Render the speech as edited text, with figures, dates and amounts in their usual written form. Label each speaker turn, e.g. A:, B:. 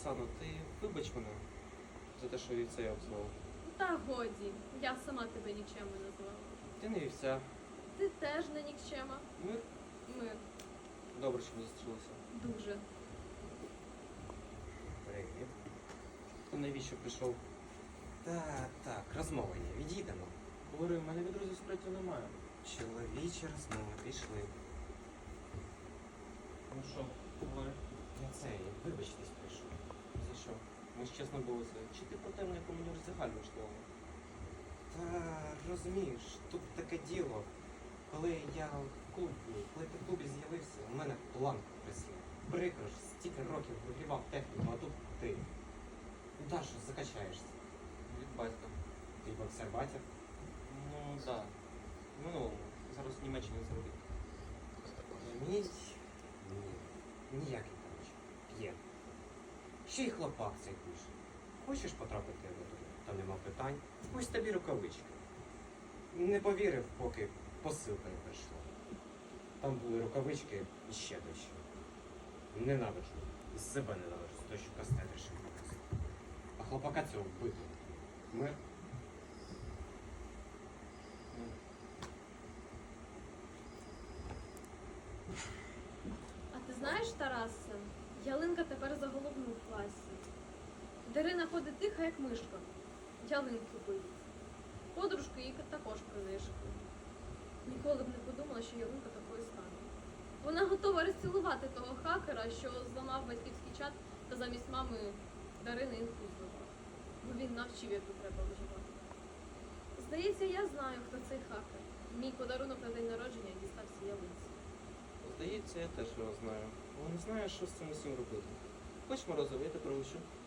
A: Оксано, ти вибач мене за те, що вівця я обзивав.
B: Та годі, я сама тебе нікчемою називала.
A: Ти не вівця.
B: Ти теж не нікчема.
A: Мир?
B: Мир.
A: Добре, що ми зустрілися.
B: Дуже.
A: Привіт. Ти навіщо прийшов?
C: Так, розмова є, відійдемо.
A: Говорю, в мене від друзів справді немає.
C: Чоловічі розмови пішли.
A: Ну що, говори.
C: Я цей, вибачтесь прийшов.
A: За що? Ми ж чесно були це. Чи ти про те, на якому мені роздягальну школу?
C: Та розумієш, тут таке діло. Коли я в клубі, коли ти в клубі з'явився, у мене планка присіла. Прикро ж, стільки років вигрівав техніку, а тут ти. Ну та що, закачаєшся.
A: Від батька.
C: Ти боксер батя.
A: Ну, так. В минулому. Зараз в Німеччині заробіть.
C: Ні, ніякий коротше. П'є. Ще й хлопак цей пише. Хочеш потрапити в ОТУ? Та нема питань. Ось тобі рукавички. Не повірив, поки посилка не прийшла. Там були рукавички і ще дещо. Ненавиджу. І себе ненавиджу, з того, що кастет рішив показати. А хлопака цього вбити. Мир.
B: А ти знаєш, Тарасе, ялинка тепер за головну в класі. Дарина ходить тиха, як мишка. Ялинки боїться. Подружки її також принишкує. Ніколи б не подумала, що ялинка такою стане. Вона готова розцілувати того хакера, що зламав батьківський чат та замість мами Дарини інфу здавав. Бо він навчив, як тут треба виживати. Здається, я знаю, хто цей хакер. Мій подарунок на день народження дістався ялинці.
A: Здається, я теж його знаю. Але не знаю, що з цим усім робити. Хоч морозиво, я тебе пригощу.